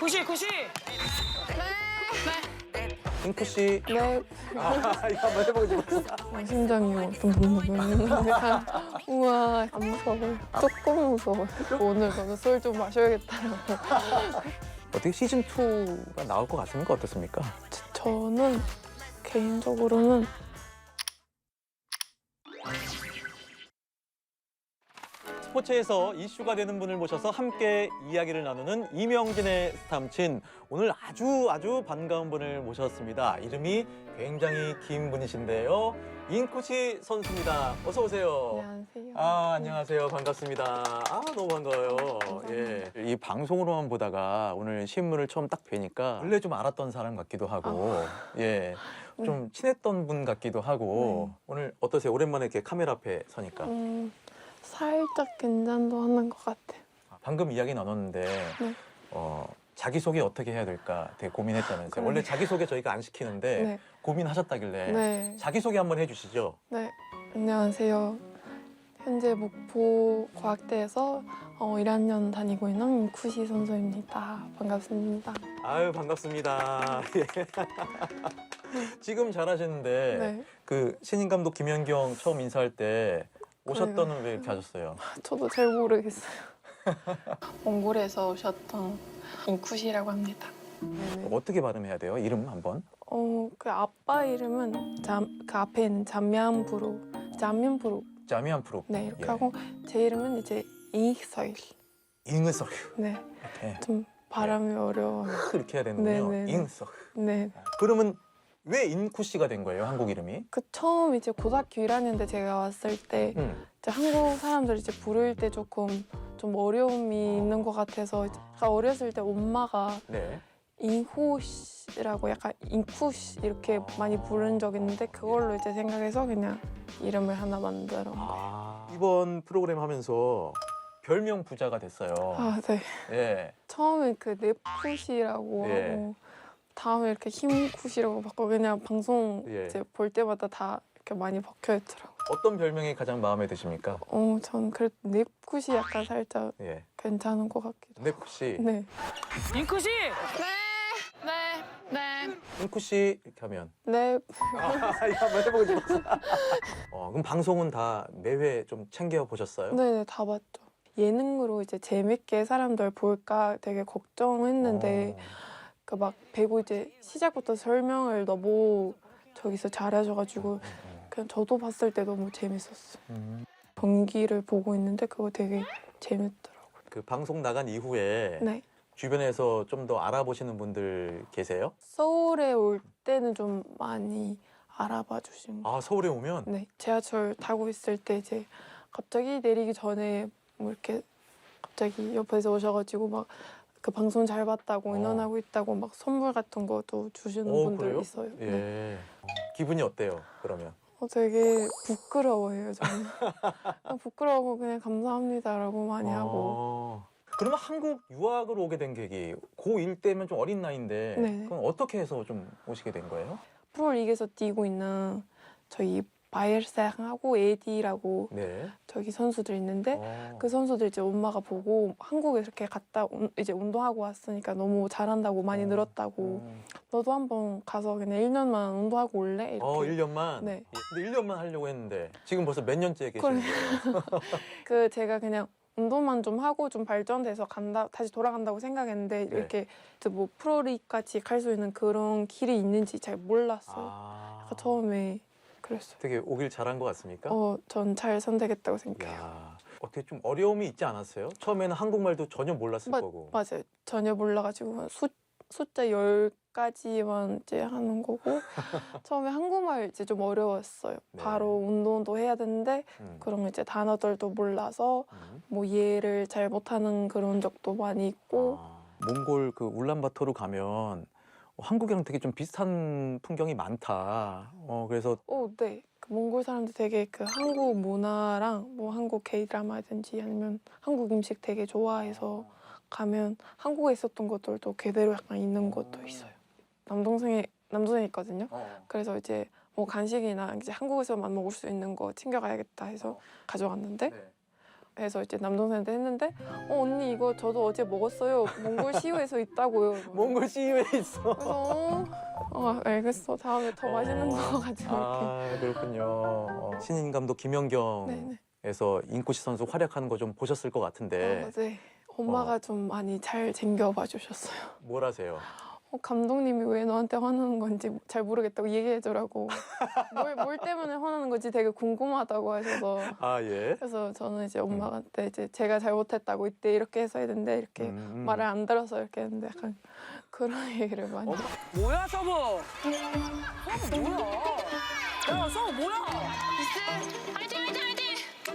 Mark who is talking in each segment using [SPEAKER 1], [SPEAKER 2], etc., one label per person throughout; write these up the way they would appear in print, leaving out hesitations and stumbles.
[SPEAKER 1] 구시 구시.
[SPEAKER 2] 잉크 씨.
[SPEAKER 3] 네.
[SPEAKER 2] 아, 이거 한번 해보고 싶었어.
[SPEAKER 3] 심장이 어떤 부분이야. 우와, 안 무서워요. 조금 무서워요. 오늘 저는 술 좀 마셔야겠다라고.
[SPEAKER 2] 어떻게 시즌 2가 나올 것 같습니까? 어떻습니까?
[SPEAKER 3] 저는 개인적으로는
[SPEAKER 2] 스포츠에서 이슈가 되는 분을 모셔서 함께 이야기를 나누는 이명진의 스탐친. 오늘 아주 반가운 분을 모셨습니다. 이름이 굉장히 긴 분이신데요. 인쿠시 선수입니다. 어서 오세요.
[SPEAKER 3] 안녕하세요.
[SPEAKER 2] 안녕하세요. 반갑습니다. 너무 반가워요. 예. 이 방송으로만 보다가 오늘 실물을 처음 딱 뵈니까 원래 좀 알았던 사람 같기도 하고, 예. 좀 친했던 분 같기도 하고, 오늘 어떠세요? 오랜만에 이렇게 카메라 앞에 서니까.
[SPEAKER 3] 살짝 긴장도 하는 것 같아요.
[SPEAKER 2] 방금 이야기 나눴는데,
[SPEAKER 3] 네.
[SPEAKER 2] 자기소개 어떻게 해야 될까 되게 고민했다면서요.
[SPEAKER 3] 그래.
[SPEAKER 2] 원래 자기소개 저희가 안 시키는데
[SPEAKER 3] 네.
[SPEAKER 2] 고민하셨다길래
[SPEAKER 3] 네.
[SPEAKER 2] 자기소개 한번 해주시죠.
[SPEAKER 3] 네. 안녕하세요. 현재 목포 과학대에서 1학년 다니고 있는 인쿠시 선수입니다. 반갑습니다.
[SPEAKER 2] 아유, 반갑습니다. 예. 지금 잘하시는데
[SPEAKER 3] 네.
[SPEAKER 2] 그 신인 감독 김연경 처음 인사할 때 오셨더니 왜 이렇게 하셨어요?
[SPEAKER 3] 저도 잘 모르겠어요. 몽골에서 오셨던 인쿠시라고 합니다. 네네.
[SPEAKER 2] 어떻게 발음해야 돼요? 이름 한번?
[SPEAKER 3] 그 아빠 이름은 그 앞에 있는 잠면부로.
[SPEAKER 2] 자미안 프로.
[SPEAKER 3] 네, 이렇게
[SPEAKER 2] 예.
[SPEAKER 3] 하고 제 이름은 이제 잉서일.
[SPEAKER 2] 잉으석.
[SPEAKER 3] 네,
[SPEAKER 2] 예.
[SPEAKER 3] 좀 발음이 어려워요.
[SPEAKER 2] 이렇게 해야 되는군요.
[SPEAKER 3] 네네네.
[SPEAKER 2] 잉석.
[SPEAKER 3] 네.
[SPEAKER 2] 그러면 왜 인쿠 씨가 된 거예요? 한국 이름이?
[SPEAKER 3] 그 처음 이제 고등학교 1학년 때 제가 왔을 때 이제 한국 사람들 이제 부를 때 조금 좀 어려움이 있는 것 같아서 제가 어렸을 때 엄마가
[SPEAKER 2] 네.
[SPEAKER 3] 인호시라고 약간 인쿠시 이렇게 많이 부른 적 있는데 그걸로 이제 생각해서 그냥 이름을 하나 만들어.
[SPEAKER 2] 이번 프로그램 하면서 별명 부자가 됐어요.
[SPEAKER 3] 네.
[SPEAKER 2] 예.
[SPEAKER 3] 처음에 그 넵쿠시라고
[SPEAKER 2] 예.
[SPEAKER 3] 하고 다음에 이렇게 힘쿠시라고 바꿔 그냥 방송
[SPEAKER 2] 예.
[SPEAKER 3] 이제 볼 때마다 다 이렇게 많이 박혀 있더라고요.
[SPEAKER 2] 어떤 별명이 가장 마음에 드십니까?
[SPEAKER 3] 전 그래도 넵쿠시 약간 살짝
[SPEAKER 2] 예.
[SPEAKER 3] 괜찮은 것 같기도 하고.
[SPEAKER 2] 네쿠 씨.
[SPEAKER 3] 네.
[SPEAKER 1] 인쿠시.
[SPEAKER 3] 네.
[SPEAKER 2] 인쿠 씨 이렇게 하면.
[SPEAKER 3] 네.
[SPEAKER 2] 이거 한번 해보고 싶었어. 그럼 방송은 다 매회 좀 챙겨 보셨어요?
[SPEAKER 3] 네, 다 봤죠. 예능으로 이제 재밌게 사람들 볼까 되게 걱정했는데 그 막 배구 이제 시작부터 설명을 너무 저기서 잘하셔가지고 그냥 저도 봤을 때 너무 재밌었어요. 경기를 보고 있는데 그거 되게 재밌더라고요.
[SPEAKER 2] 그 방송 나간 이후에
[SPEAKER 3] 네.
[SPEAKER 2] 주변에서 좀 더 알아보시는 분들 계세요?
[SPEAKER 3] 서울에 올 때는 좀 많이 알아봐 주신 거.
[SPEAKER 2] 서울에 오면?
[SPEAKER 3] 네. 지하철 타고 있을 때 이제 갑자기 내리기 전에 뭐 이렇게 갑자기 옆에서 오셔가지고 막 그 방송 잘 봤다고 응원하고 있다고 막 선물 같은 것도 주시는 분들
[SPEAKER 2] 그래요?
[SPEAKER 3] 있어요.
[SPEAKER 2] 예.
[SPEAKER 3] 네.
[SPEAKER 2] 기분이 어때요? 그러면?
[SPEAKER 3] 되게 부끄러워해요, 저는. 부끄러워하고 그냥 감사합니다라고 많이 하고.
[SPEAKER 2] 그러면 한국 유학을 오게 된 계기, 고1 때면 좀 어린 나이인데
[SPEAKER 3] 네.
[SPEAKER 2] 그럼 어떻게 해서 좀 오시게 된 거예요?
[SPEAKER 3] 프로리그에서 뛰고 있는 저희 바이엘상하고 에디라고
[SPEAKER 2] 네.
[SPEAKER 3] 저기 선수들 있는데 그 선수들 이제 엄마가 보고 한국에 이렇게 갔다 이제 운동하고 왔으니까 너무 잘한다고 많이 늘었다고 너도 한번 가서 그냥 1년만 운동하고 올래? 이렇게.
[SPEAKER 2] 1년만?
[SPEAKER 3] 네.
[SPEAKER 2] 근데 1년만 하려고 했는데 지금 벌써 몇 년째 계시는 거예요?
[SPEAKER 3] 그 제가 그냥 운동만 좀 하고 좀 발전돼서 다시 돌아간다고 생각했는데
[SPEAKER 2] 네.
[SPEAKER 3] 이렇게 뭐 프로리그까지 갈 수 있는 그런 길이 있는지 잘 몰랐어요. 그러니까 처음에 그랬어요.
[SPEAKER 2] 되게 오길 잘한 것 같습니까?
[SPEAKER 3] 전 잘 선택했다고 생각해요.
[SPEAKER 2] 야, 어떻게 좀 어려움이 있지 않았어요? 처음에는 한국말도 전혀 몰랐을 거고.
[SPEAKER 3] 맞아요. 전혀 몰라가지고 숫자 10가지만 이제 하는 거고 처음에 한국말 이제 좀 어려웠어요.
[SPEAKER 2] 네.
[SPEAKER 3] 바로 운동도 해야 되는데 그런 이제 단어들도 몰라서 뭐 이해를 잘 못하는 그런 적도 많이 있고
[SPEAKER 2] 몽골 그 울란바토르 가면 한국이랑 되게 좀 비슷한 풍경이 많다. 그래서
[SPEAKER 3] 네. 그 몽골 사람들 되게 그 한국 문화랑 뭐 한국 K-드라마든지 아니면 한국 음식 되게 좋아해서 가면 한국에 있었던 것들도 그대로 약간 있는 것도 있어요. 남동생이 있거든요. 그래서 이제 뭐 간식이나 이제 한국에서만 먹을 수 있는 거 챙겨가야겠다 해서 가져갔는데 해서 이제 남동생한테 했는데 언니 이거 저도 어제 먹었어요. 몽골 시유에서 있다고요.
[SPEAKER 2] 몽골 CU에 있어.
[SPEAKER 3] 그래서 알겠어. 다음에 더 맛있는 거 가지고 올게.
[SPEAKER 2] 아, 그렇군요. 신인 감독 김연경에서
[SPEAKER 3] 네네.
[SPEAKER 2] 인코시 선수 활약하는 거 좀 보셨을 것 같은데
[SPEAKER 3] 네. 엄마가 좀 많이 잘 챙겨봐 주셨어요.
[SPEAKER 2] 뭘 하세요?
[SPEAKER 3] 감독님이 왜 너한테 화나는 건지 잘 모르겠다고 얘기해주라고. 뭘 때문에 화나는 건지 되게 궁금하다고 하셔서.
[SPEAKER 2] 아, 예.
[SPEAKER 3] 그래서 저는 이제 엄마한테 이제 제가 잘못했다고 이때 이렇게 했어야 되는데 이렇게 말을 안 들어서 이렇게 했는데 약간 그런 얘기를 많이.
[SPEAKER 1] 뭐야 서브? 서브 뭐야? 야 서브 뭐야?
[SPEAKER 4] 화이팅 화이팅 화이팅!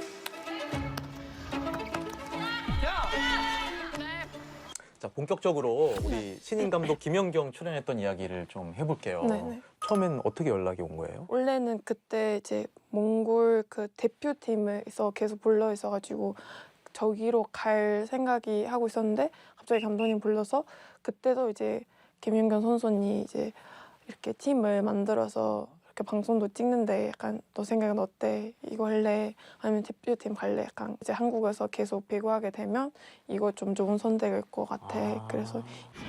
[SPEAKER 1] 야!
[SPEAKER 2] 자, 본격적으로 우리 신인 감독 김연경 출연했던 이야기를 좀 해볼게요.
[SPEAKER 3] 네네.
[SPEAKER 2] 처음엔 어떻게 연락이 온 거예요?
[SPEAKER 3] 원래는 그때 이제 몽골 그 대표팀에서 계속 불러 있어가지고 저기로 갈 생각이 하고 있었는데 갑자기 감독님 불러서 그때도 이제 김연경 선수님 이제 이렇게 팀을 만들어서 이렇게 방송도 찍는데 약간 너 생각은 어때? 이거 할래? 아니면 대표팀 갈래? 약간 이제 한국에서 계속 배구하게 되면 이거 좀 좋은 선택일 것 같아. 그래서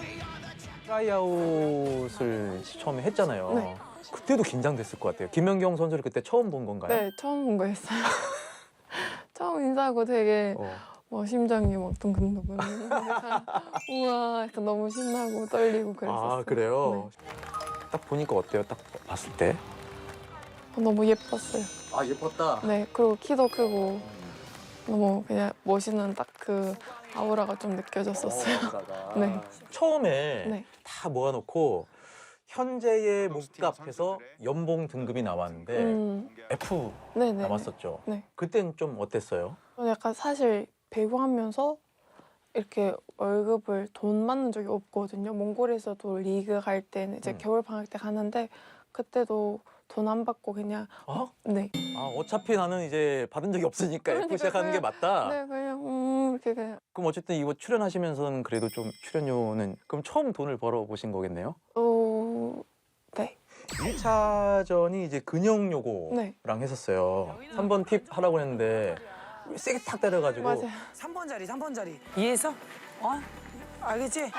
[SPEAKER 2] 트라이아웃을 처음에 했잖아요.
[SPEAKER 3] 네.
[SPEAKER 2] 그때도 긴장됐을 것 같아요. 김연경 선수를 그때 처음 본 건가요?
[SPEAKER 3] 네 처음 본 거였어요. 처음 인사하고 되게 심장이 막 둥근둥근. 약간 우와, 약간 너무 신나고 떨리고 그랬었어요.
[SPEAKER 2] 아, 그래요?
[SPEAKER 3] 네.
[SPEAKER 2] 딱 보니까 어때요? 딱 봤을 때?
[SPEAKER 3] 너무 예뻤어요.
[SPEAKER 2] 아, 예뻤다.
[SPEAKER 3] 네, 그리고 키도 크고 너무 그냥 멋있는 딱 그 아우라가 좀 느껴졌었어요. 네.
[SPEAKER 2] 처음에
[SPEAKER 3] 네.
[SPEAKER 2] 다 모아놓고 현재의 몸값에서 연봉 등급이 나왔는데 F
[SPEAKER 3] 네네.
[SPEAKER 2] 남았었죠.
[SPEAKER 3] 네.
[SPEAKER 2] 그땐 좀 어땠어요?
[SPEAKER 3] 저는 약간 사실 배구하면서 이렇게 월급을 돈 받는 적이 없거든요. 몽골에서도 리그 갈 때는 이제 겨울 방학 때 가는데 그때도 돈 안 받고 그냥 네.
[SPEAKER 2] 아, 어차피 나는 이제 받은 적이 없으니까 F 시작하는 게 맞다.
[SPEAKER 3] 네, 그냥 이렇게 그냥
[SPEAKER 2] 그럼 어쨌든 이거 출연하시면서는 그래도 좀 출연료는 그럼 처음 돈을 벌어 보신 거겠네요?
[SPEAKER 3] 네.
[SPEAKER 2] 1차전이 이제 근영 요고랑
[SPEAKER 3] 네.
[SPEAKER 2] 했었어요. 3번 팁 하라고 했는데 세게 탁 때려가지고
[SPEAKER 3] 맞아요.
[SPEAKER 1] 3번 자리 3번 자리. 이해했어? 알겠지?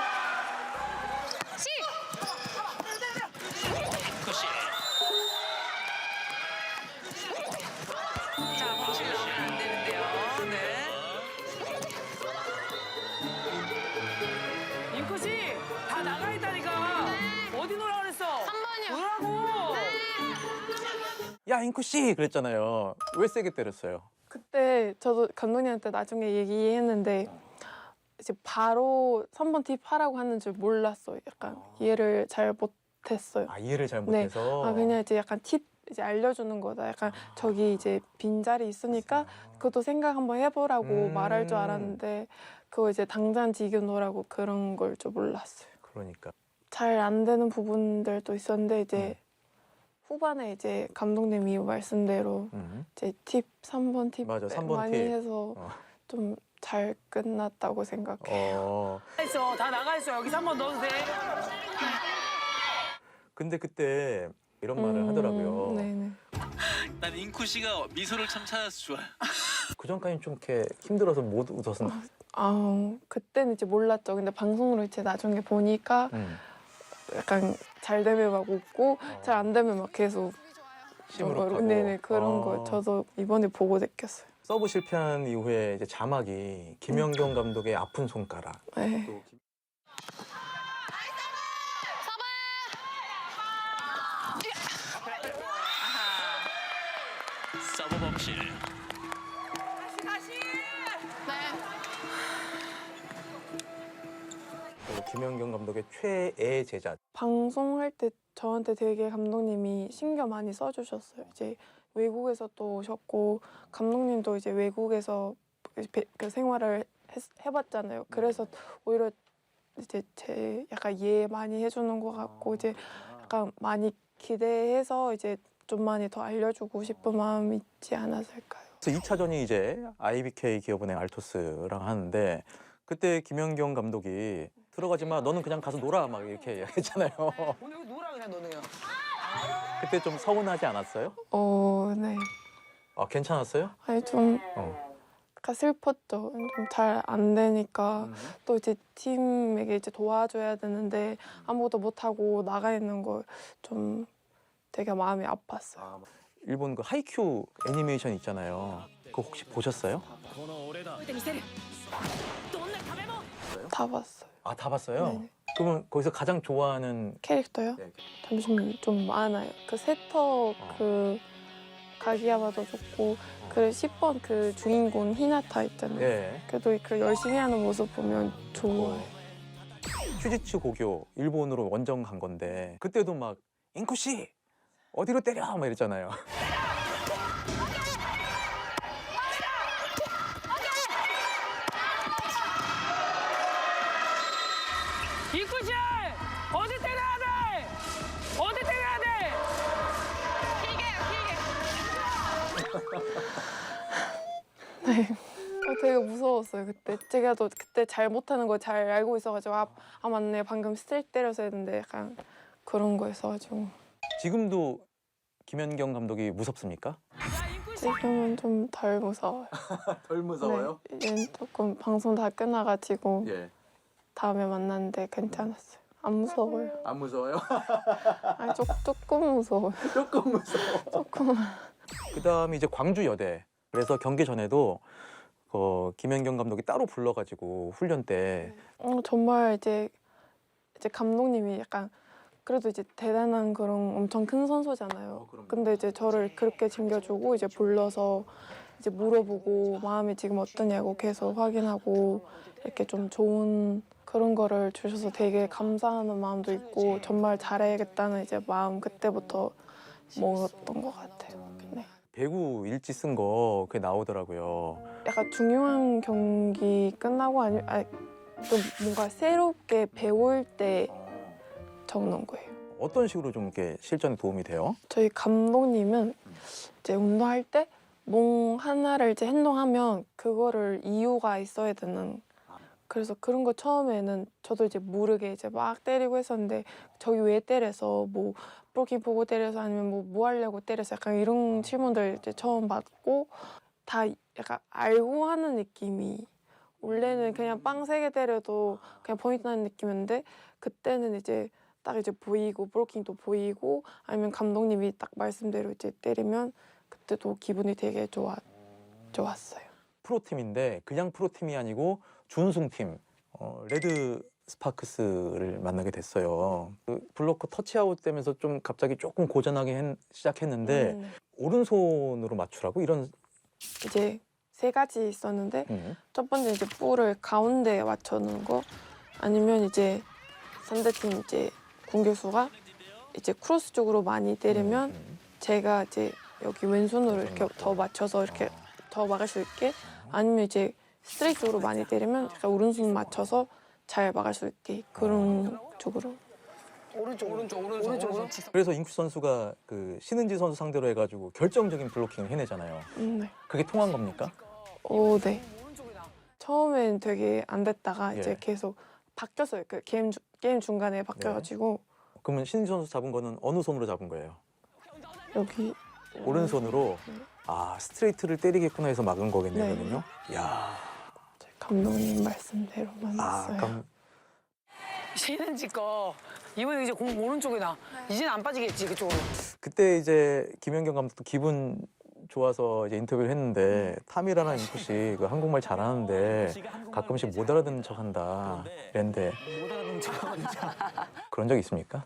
[SPEAKER 1] 자, 멈추면 안 되는데요. 네. 인코 씨, 다 나가 있다니까. 어디 놀라 그랬어?
[SPEAKER 4] 3번이요.
[SPEAKER 1] 놀라고.
[SPEAKER 2] 야, 잉쿠 씨 그랬잖아요. 왜 세게 때렸어요?
[SPEAKER 3] 그때 저도 감독님한테 나중에 얘기했는데 이제 바로 3번 팁 하라고 하는 줄 몰랐어요. 약간 이해를 잘 못했어요.
[SPEAKER 2] 아, 이해를 잘
[SPEAKER 3] 네.
[SPEAKER 2] 못해서.
[SPEAKER 3] 그냥 이제 약간 팁 이제 알려주는 거다. 약간 저기 이제 빈자리 있으니까 그것도 생각 한번 해보라고 말할 줄 알았는데 그거 이제 당장 지겨놓으라고 그런 걸 줄 몰랐어요.
[SPEAKER 2] 그러니까.
[SPEAKER 3] 잘 안 되는 부분들도 있었는데 이제 후반에 이제 감독님이 말씀대로 이제 팁 3번 팁
[SPEAKER 2] 맞아, 3번
[SPEAKER 3] 많이
[SPEAKER 2] 팁.
[SPEAKER 3] 해서 좀 잘 끝났다고 생각해요.
[SPEAKER 1] 있어, 다 나가 있어. 여기 3번 넣어도 돼.
[SPEAKER 2] 근데 그때 이런 말을 하더라고요.
[SPEAKER 3] 네네.
[SPEAKER 5] 난 잉쿠 씨가 미소를 참 찾아서 좋아요.
[SPEAKER 2] 그 전까지 좀 이렇게 힘들어서 못 웃었어.
[SPEAKER 3] 그때는 이제 몰랐죠. 근데 방송으로 이제 나중에 보니까 약간 잘 되면 막 웃고 잘 안 되면 막 계속
[SPEAKER 2] 시무룩하고.
[SPEAKER 3] 네네 그런 거 저도 이번에 보고 느꼈어요.
[SPEAKER 2] 서브 실패한 이후에 이제 자막이 김연경 감독의 아픈 손가락.
[SPEAKER 3] 네.
[SPEAKER 2] 또
[SPEAKER 5] 서브 범실.
[SPEAKER 2] 또 김연경 감독의 최애 제자.
[SPEAKER 3] 방송할 때 저한테 되게 감독님이 신경 많이 써주셨어요. 이제 외국에서 또 오셨고 감독님도 이제 외국에서 그 생활을 해봤잖아요. 그래서 오히려 이제 제 약간 이해 많이 해주는 것 같고 이제 약간 많이 기대해서 이제 좀 많이 더 알려주고 싶은 마음이 있지 않았을까요?
[SPEAKER 2] 그래서 2차전이 이제 IBK 기업은행 알토스랑 하는데 그때 김연경 감독이 들어가지 마, 너는 그냥 가서 놀아 막 이렇게 이야기했잖아요.
[SPEAKER 1] 오늘 여기 놀아 그냥 너는.
[SPEAKER 2] 그때 좀 서운하지 않았어요?
[SPEAKER 3] 네.
[SPEAKER 2] 아, 괜찮았어요?
[SPEAKER 3] 아니 좀
[SPEAKER 2] 어.
[SPEAKER 3] 약간 슬펐죠. 좀 잘 안 되니까 또 이제 팀에게 이제 도와줘야 되는데 아무것도 못 하고 나가 있는 걸 좀 되게 마음이 아팠어요.
[SPEAKER 2] 일본 그 하이큐 애니메이션 있잖아요. 그거 혹시 보셨어요?
[SPEAKER 3] 다 봤어요.
[SPEAKER 2] 아, 다 봤어요?
[SPEAKER 3] 네네.
[SPEAKER 2] 그러면 거기서 가장 좋아하는
[SPEAKER 3] 캐릭터요?
[SPEAKER 2] 네.
[SPEAKER 3] 잠시만 좀 많아요. 그 세터 그 가기야마도 좋고 그 10번 그 주인공 히나타 있잖아요.
[SPEAKER 2] 예.
[SPEAKER 3] 그래도 그 열심히 하는 모습 보면 좋아요.
[SPEAKER 2] 큐지츠 고교 일본으로 원정 간 건데 그때도 막 인쿠 씨 어디로 때려 막 이랬잖아요.
[SPEAKER 1] 인쿠씨 어디 때려야 돼? 어디 때려야 돼?
[SPEAKER 3] 네. 되게 무서웠어요 그때. 제가 또 그때 잘 못하는 걸 잘 알고 있어가지고 아 맞네 방금 스트레이트 때려서 했는데 약간 그런 거 있어가지고
[SPEAKER 2] 지금도 김연경 감독이 무섭습니까?
[SPEAKER 1] 야 인쿠씨.
[SPEAKER 3] 지금은 좀 덜 무서워요.
[SPEAKER 2] 덜
[SPEAKER 3] 네, 얘는 조금 방송 다 끝나가지고
[SPEAKER 2] 예.
[SPEAKER 3] 다음에 만났는데 괜찮았어요. 안 무서워요.
[SPEAKER 2] 안 무서워요?
[SPEAKER 3] 아니 조금 무서워요.
[SPEAKER 2] 조금 무서워.
[SPEAKER 3] 조금.
[SPEAKER 2] 그다음에 이제 광주 여대. 그래서 경기 전에도 김연경 감독이 따로 불러가지고 훈련 때
[SPEAKER 3] 정말 이제 감독님이 약간 그래도 이제 대단한 그런 엄청 큰 선수잖아요.
[SPEAKER 2] 그럼요.
[SPEAKER 3] 근데 이제 저를 그렇게 챙겨주고 이제 불러서 이제 물어보고 마음이 지금 어떠냐고 계속 확인하고 이렇게 좀 좋은 그런 거를 주셔서 되게 감사하는 마음도 있고 정말 잘해야겠다는 이제 마음 그때부터 먹었던 것 같아요. 네.
[SPEAKER 2] 배구 일지 쓴 거 그게 나오더라고요.
[SPEAKER 3] 약간 중요한 경기 끝나고 아니 좀 뭔가 새롭게 배울 때 적는 거예요.
[SPEAKER 2] 어떤 식으로 좀 이렇게 실전에 도움이 돼요?
[SPEAKER 3] 저희 감독님은 이제 운동할 때 뭐 하나를 이제 행동하면 그거를 이유가 있어야 되는. 그래서 그런 거 처음에는 저도 이제 모르게 이제 막 때리고 했었는데 저기 왜 때려서 뭐 브로킹 보고 때려서 아니면 뭐 하려고 때려서 약간 이런 질문들 이제 처음 받고 다 약간 알고 하는 느낌이 원래는 그냥 빵 3개 때려도 그냥 포인트 나는 느낌이었는데 그때는 이제 딱 이제 보이고 브로킹도 보이고 아니면 감독님이 딱 말씀대로 이제 때리면 그때도 기분이 되게 좋았어요.
[SPEAKER 2] 프로팀인데 그냥 프로팀이 아니고 준우승팀 레드 스파크스를 만나게 됐어요. 그 블로커 터치아웃 되면서 좀 갑자기 조금 고전하게 시작했는데 오른손으로 맞추라고 이런
[SPEAKER 3] 이제 3가지 있었는데 첫 번째 이제 볼을 가운데에 맞춰놓은 거 아니면 이제 상대팀 이제 공격수가 이제 크로스 쪽으로 많이 때리면 제가 이제 여기 왼손으로 이렇게 더 맞춰서 이렇게 더 막을 수 있게 아니면 이제 스트레이트 쪽으로 많이 때리면 약간 오른손 맞춰서 잘 막을 수 있게 그런 쪽으로.
[SPEAKER 1] 오른쪽으로.
[SPEAKER 2] 그래서 인쿠 선수가 그 신은지 선수 상대로 해가지고 결정적인 블로킹을 해내잖아요.
[SPEAKER 3] 네.
[SPEAKER 2] 그게 통한 겁니까?
[SPEAKER 3] 네. 처음엔 되게 안 됐다가 이제
[SPEAKER 2] 예.
[SPEAKER 3] 계속 바뀌었어요. 그 게임 중간에 바뀌어가지고
[SPEAKER 2] 그러면 신은지 선수 잡은 거는 어느 손으로 잡은 거예요?
[SPEAKER 3] 여기
[SPEAKER 2] 오른손으로 아 스트레이트를 때리겠구나 해서 막은 거겠네요.
[SPEAKER 3] 네.
[SPEAKER 2] 그러면요. 야,
[SPEAKER 3] 감독님 말씀대로
[SPEAKER 2] 아,
[SPEAKER 3] 만났어요.
[SPEAKER 1] 신은지 거 이번에 이제 공 오른쪽에 나. 이제는 안 빠지겠지 그쪽으로.
[SPEAKER 2] 그때 이제 김연경 감독도 기분 좋아서 이제 인터뷰를 했는데 타미라나 인쿠 씨 그 한국말 잘하는데 가끔씩 못 알아듣는 척한다. 이랬는데 그런 적 있습니까?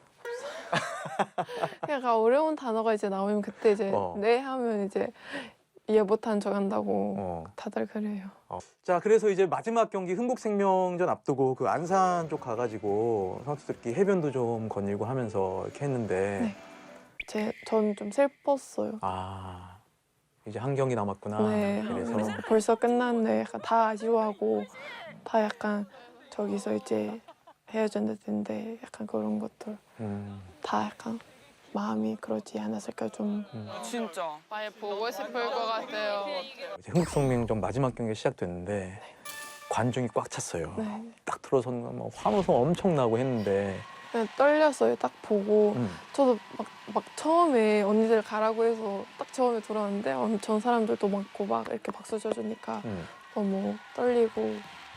[SPEAKER 3] 약간 어려운 단어가 이제 나오면 그때 이제 네 하면 이제 이해 못한 척 한다고 다들 그래요.
[SPEAKER 2] 자, 그래서 이제 마지막 경기 흥국생명전 앞두고 그 안산 쪽 가가지고 선수들끼리 해변도 좀 거닐고 하면서 이렇게 했는데
[SPEAKER 3] 전 좀 슬펐어요.
[SPEAKER 2] 아, 이제 한 경기 남았구나.
[SPEAKER 3] 네,
[SPEAKER 2] 그래서
[SPEAKER 3] 벌써 끝났는데 약간 다 아쉬워하고 다 약간 저기서 이제 헤어졌는데 약간 그런 것들 다 약간 마음이 그러지 않았을까 좀.
[SPEAKER 1] 진짜.
[SPEAKER 6] 많이 보고 싶을 것 같아요.
[SPEAKER 2] 이제 흥국생명전 마지막 경기가 시작됐는데 관중이 꽉 찼어요.
[SPEAKER 3] 네.
[SPEAKER 2] 딱 들어서는 막 환호성 엄청 나고 했는데
[SPEAKER 3] 그냥 떨렸어요. 딱 보고 저도 막 처음에 언니들 가라고 해서 딱 처음에 들어왔는데 엄청 사람들도 많고 막 이렇게 박수 쳐주니까 너무 떨리고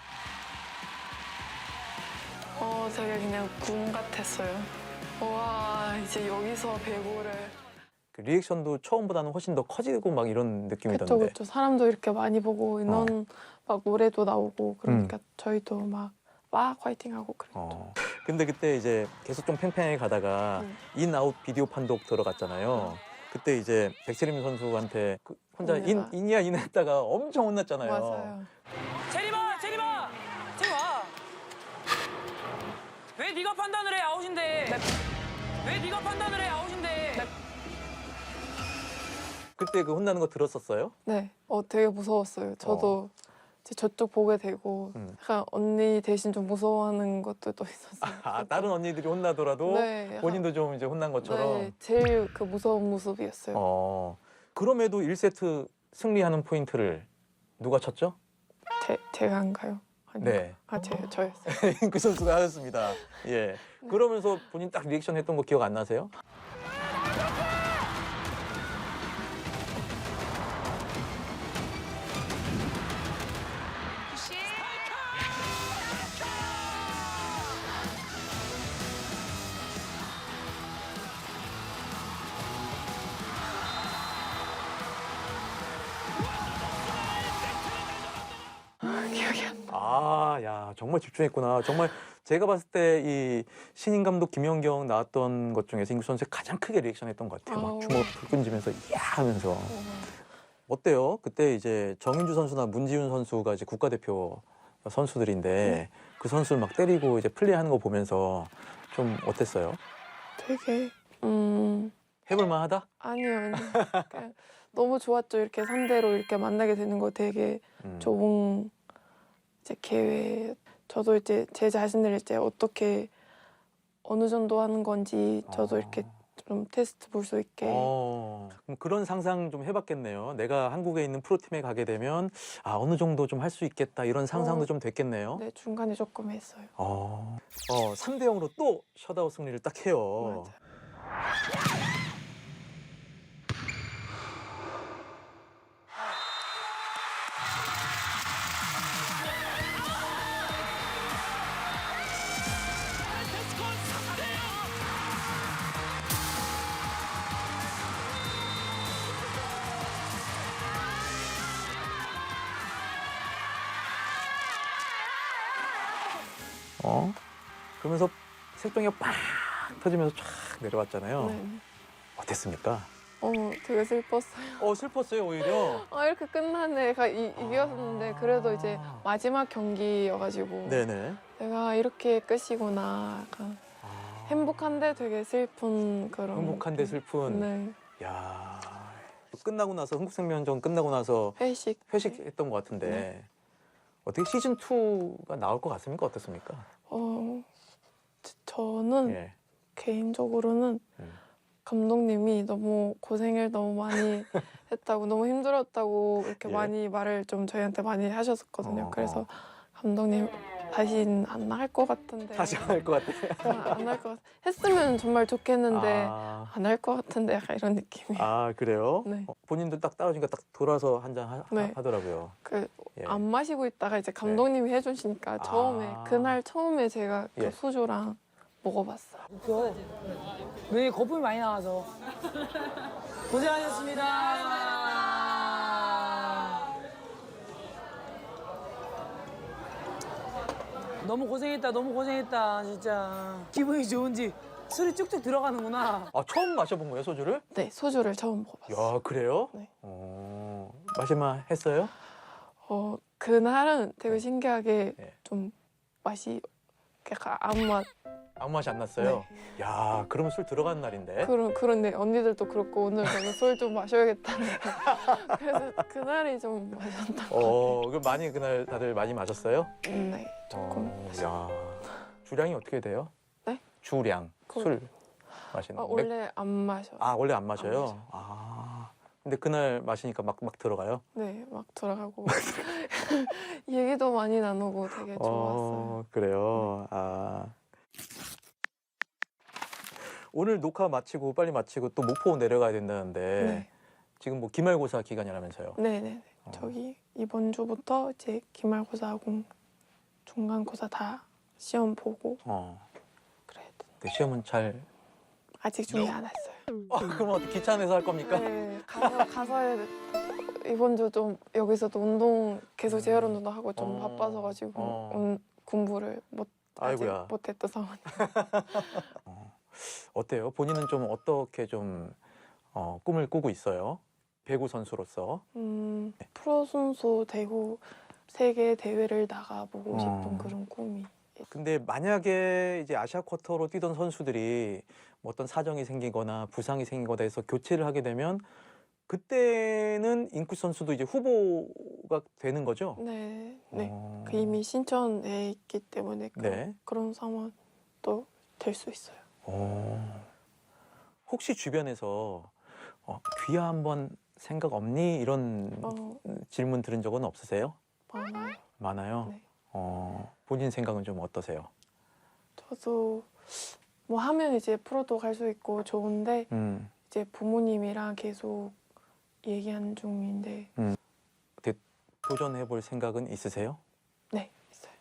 [SPEAKER 3] 되게 그냥 꿈 같았어요. 와 이제 여기서 배구를
[SPEAKER 2] 그 리액션도 처음보다는 훨씬 더 커지고 막 이런 느낌이던데.
[SPEAKER 3] 그쵸 사람도 이렇게 많이 보고 인원 막 노래도 나오고 그러니까 저희도 막 화이팅하고 그랬죠.
[SPEAKER 2] 근데 그때 이제 계속 좀 팽팽하게 가다가 인아웃 비디오 판독 들어갔잖아요. 그때 이제 백세림 선수한테 혼자
[SPEAKER 3] 혼내다.
[SPEAKER 2] 인이야 인 했다가 엄청 혼났잖아요.
[SPEAKER 3] 맞아요.
[SPEAKER 1] 제리마, 제리마, 제리 와. 왜 네가 판단을 해 아웃인데? 왜 네가 판단을 해 아웃인데?
[SPEAKER 2] 그때 그 혼나는 거 들었었어요?
[SPEAKER 3] 네, 되게 무서웠어요. 저도 이제 저쪽 보게 되고 약간 언니 대신 좀 무서워하는 것도 또 있었어요.
[SPEAKER 2] 아, 다른 언니들이 혼나더라도
[SPEAKER 3] 네,
[SPEAKER 2] 본인도 좀 이제 혼난 것처럼.
[SPEAKER 3] 네, 제일 그 무서운 모습이었어요.
[SPEAKER 2] 그럼에도 1세트 승리하는 포인트를 누가 쳤죠?
[SPEAKER 3] 제가 한가요? 아닌가?
[SPEAKER 2] 네.
[SPEAKER 3] 저였어요.
[SPEAKER 2] 그 선수가 하였습니다. 예. 그러면서 본인 딱 리액션 했던 거 기억 안 나세요?
[SPEAKER 3] 기억이 안 나.
[SPEAKER 2] 아, 야, 정말 집중했구나. 정말 제가 봤을 때 이 신인 감독 김연경 나왔던 것 중에서 인구 선수가 가장 크게 리액션했던 것 같아요. 막 주먹 불 끈지면서 이야 하면서. 어때요? 그때 이제 정인주 선수나 문지훈 선수가 이제 국가대표 선수들인데 그 선수를 막 때리고 이제 플레이하는 거 보면서 좀 어땠어요?
[SPEAKER 3] 되게
[SPEAKER 2] 해볼만하다?
[SPEAKER 3] 아니요. 그냥 너무 좋았죠. 이렇게 상대로 이렇게 만나게 되는 거 되게 좋은 이제 기회. 저도 이제 제 자신을 이제 어떻게 어느 정도 하는 건지 저도 이렇게 좀 테스트 볼 수 있게.
[SPEAKER 2] 그럼 그런 상상 좀 해봤겠네요. 내가 한국에 있는 프로팀에 가게 되면 어느 정도 좀 할 수 있겠다 이런 상상도 좀 됐겠네요.
[SPEAKER 3] 네, 중간에 조금 했어요.
[SPEAKER 2] 3대 0으로 또 셧아웃 승리를 딱 해요.
[SPEAKER 3] 맞아요.
[SPEAKER 2] 그러면서 색종이가 팍 터지면서 쫙 내려왔잖아요.
[SPEAKER 3] 네.
[SPEAKER 2] 어땠습니까?
[SPEAKER 3] 되게 슬펐어요.
[SPEAKER 2] 슬펐어요, 오히려.
[SPEAKER 3] 이렇게 끝나네. 이겼었는데 그래도 이제 마지막 경기여가지고
[SPEAKER 2] 네네.
[SPEAKER 3] 내가 이렇게 끝이구나. 약간 행복한데 되게 슬픈 그런.
[SPEAKER 2] 행복한데 슬픈.
[SPEAKER 3] 네.
[SPEAKER 2] 야, 끝나고 나서 흥국생명전 끝나고 나서 회식했던 것 같은데
[SPEAKER 3] 네.
[SPEAKER 2] 어떻게 시즌 2가 나올 것 같습니까? 어떻습니까?
[SPEAKER 3] 저는
[SPEAKER 2] 예.
[SPEAKER 3] 개인적으로는 감독님이 너무 고생을 너무 많이 했다고 너무 힘들었다고 이렇게
[SPEAKER 2] 예.
[SPEAKER 3] 많이 말을 좀 저희한테 많이 하셨었거든요. 그래서 감독님 다시는 안 할 것 같은데.
[SPEAKER 2] 다시 안 할 것 같아.
[SPEAKER 3] 안 할 것 같아. 했으면 정말 좋겠는데
[SPEAKER 2] 아,
[SPEAKER 3] 안 할 것 같은데 약간 이런 느낌이.
[SPEAKER 2] 그래요?
[SPEAKER 3] 네.
[SPEAKER 2] 본인도 딱 떨어지니까 딱 돌아서 한 잔
[SPEAKER 3] 네.
[SPEAKER 2] 하더라고요. 예.
[SPEAKER 3] 안 마시고 있다가 이제 감독님이 해주시니까 그날 처음에 제가 그
[SPEAKER 2] 예.
[SPEAKER 3] 소주랑 먹어봤어요.
[SPEAKER 1] 눈에 거품이 많이 나와서. 고생하셨습니다. 너무 고생했다, 너무 고생했다, 진짜. 기분이 좋은지 술이 쭉쭉 들어가는구나.
[SPEAKER 2] 처음 마셔본 거예요, 소주를?
[SPEAKER 3] 네, 소주를 처음 먹어봤어요.
[SPEAKER 2] 야, 그래요?
[SPEAKER 3] 네.
[SPEAKER 2] 마실만 했어요?
[SPEAKER 3] 그날은 되게 신기하게
[SPEAKER 2] 예.
[SPEAKER 3] 좀 맛이 약간 아무 맛.
[SPEAKER 2] 아무 맛이 안 났어요?
[SPEAKER 3] 네.
[SPEAKER 2] 야, 그러면 술 들어간 날인데?
[SPEAKER 3] 그런데 언니들도 그렇고 오늘 저는 술 좀 마셔야겠다는 그래서 그날이 좀 마셨던
[SPEAKER 2] 그럼 많이 그날 다들 많이 마셨어요?
[SPEAKER 3] 네, 조금
[SPEAKER 2] 야, 주량이 어떻게 돼요?
[SPEAKER 3] 네?
[SPEAKER 2] 주량, 술 마시는 거.
[SPEAKER 3] 원래 안 마셔.
[SPEAKER 2] 원래 안 마셔요? 근데 그날 마시니까 막 들어가요?
[SPEAKER 3] 네, 막 돌아가고 얘기도 많이 나누고 되게 좋았어요.
[SPEAKER 2] 그래요? 오늘 녹화 마치고 빨리 마치고 또 목포 내려가야 된다는데
[SPEAKER 3] 네,
[SPEAKER 2] 지금 뭐 기말고사 기간이라면서요?
[SPEAKER 3] 네, 네. 저기 이번 주부터 이제 기말고사하고 중간고사 다 시험 보고 그래야 돼.
[SPEAKER 2] 네, 시험은 잘.
[SPEAKER 3] 아직 준비 안 했어요.
[SPEAKER 2] 그럼 어떻게 기차 안에서 할 겁니까?
[SPEAKER 3] 네, 가서 해야 돼. 이번 주 좀 여기서도 운동 계속 재활 운동도 하고 좀 바빠서 가지고 공부를 아직
[SPEAKER 2] 아이고야.
[SPEAKER 3] 못했던 상황.
[SPEAKER 2] 어때요? 본인은 좀 어떻게 좀 꿈을 꾸고 있어요? 배구 선수로서.
[SPEAKER 3] 프로 선수 되고 세계 대회를 나가보고 싶은 그런 꿈이.
[SPEAKER 2] 근데 만약에 이제 아시아 쿼터로 뛰던 선수들이 뭐 어떤 사정이 생기거나 부상이 생기거나 해서 교체를 하게 되면 그때는 인쿠 선수도 이제 후보가 되는 거죠?
[SPEAKER 3] 네, 네. 그 이미 신청해 있기 때문에
[SPEAKER 2] 네.
[SPEAKER 3] 그런 상황도 될 수 있어요.
[SPEAKER 2] 혹시 주변에서 귀하 한번 생각 없니? 이런 질문 들은 적은 없으세요?
[SPEAKER 3] 많아요.
[SPEAKER 2] 많아요?
[SPEAKER 3] 네.
[SPEAKER 2] 본인 생각은 좀 어떠세요?
[SPEAKER 3] 저도 뭐 하면 이제 프로도 갈 수 있고 좋은데 이제 부모님이랑 계속 얘기하는 중인데
[SPEAKER 2] 도전해볼 생각은 있으세요?
[SPEAKER 3] 네, 있어요.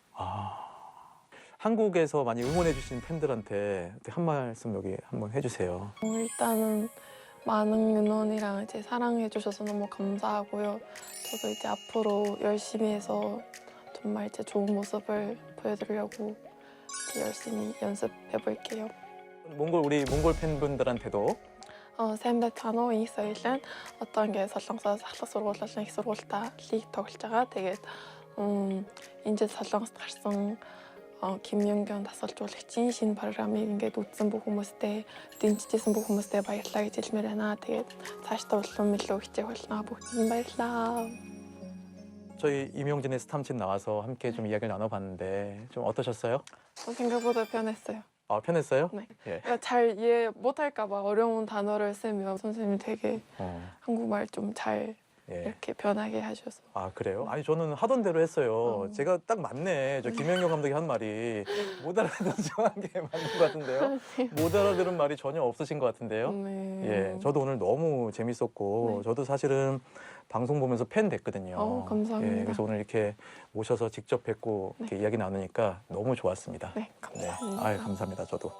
[SPEAKER 2] 한국에서 많이 응원해주신 팬들한테 한 말씀 여기 한번 해주세요.
[SPEAKER 3] 일단은 많은 응원이랑 이제 사랑해주셔서 너무 감사하고요. 저도 이제 앞으로 열심히 해서 정말 이제 좋은 모습을 보여드리려고 이제 열심히 연습해볼게요.
[SPEAKER 2] 우리 몽골 팬분들한테도
[SPEAKER 3] Сайн байцгаана уу? Их соёлын одоо ингээд Солонгосоос ахлах сургуулиудын их сургуультай лиг тоглож байгаа. Тэгээд энэ жил Солонгост гарсан Ким Ёнгийн дасгалжуулагчийн шинэ программыг ингээд үзсэн бүх хүмүүстээ дэмжижсэн бүх хүмүүстээ баярлалаа гэж хэлмээр байна. Тэгээд цаашдаа улам илүү хичээх болно. Бүгдэнд баярлалаа.
[SPEAKER 2] 저희 임용진의 스탐진 나와서 함께 좀 이야기를 나눠봤는데 좀 어떠셨어요?
[SPEAKER 3] 생각보다 편했어요.
[SPEAKER 2] 편했어요?
[SPEAKER 3] 네.
[SPEAKER 2] 예.
[SPEAKER 3] 그러니까 잘 이해 못할까 봐 어려운 단어를 쓰면 선생님이 되게 한국말 좀 잘
[SPEAKER 2] 예.
[SPEAKER 3] 이렇게 변하게 하셔서.
[SPEAKER 2] 그래요? 아니 저는 하던 대로 했어요. 제가 딱 맞네. 저 김연경 감독이 한 말이 못 알아듣는 게 맞는 것 같은데요. 못 알아들은 말이 전혀 없으신 것 같은데요.
[SPEAKER 3] 네.
[SPEAKER 2] 예, 저도 오늘 너무 재밌었고
[SPEAKER 3] 네.
[SPEAKER 2] 저도 사실은 방송 보면서 팬 됐거든요.
[SPEAKER 3] 감사합니다.
[SPEAKER 2] 예, 그래서 오늘 이렇게 모셔서 직접 뵙고 이렇게 이야기 나누니까 너무 좋았습니다.
[SPEAKER 3] 네, 감사합니다.
[SPEAKER 2] 아유, 감사합니다. 저도.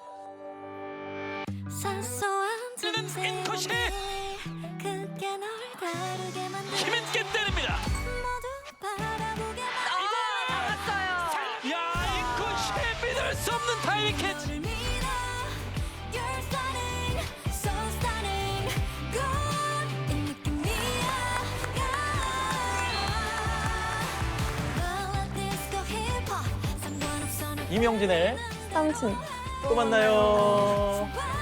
[SPEAKER 5] 인쿠시 힘있게 때립니다. 야, 인쿠시 믿을 수 없는 타이밍 캐치.
[SPEAKER 2] 임영진의
[SPEAKER 3] 삼촌.
[SPEAKER 2] 또 만나요.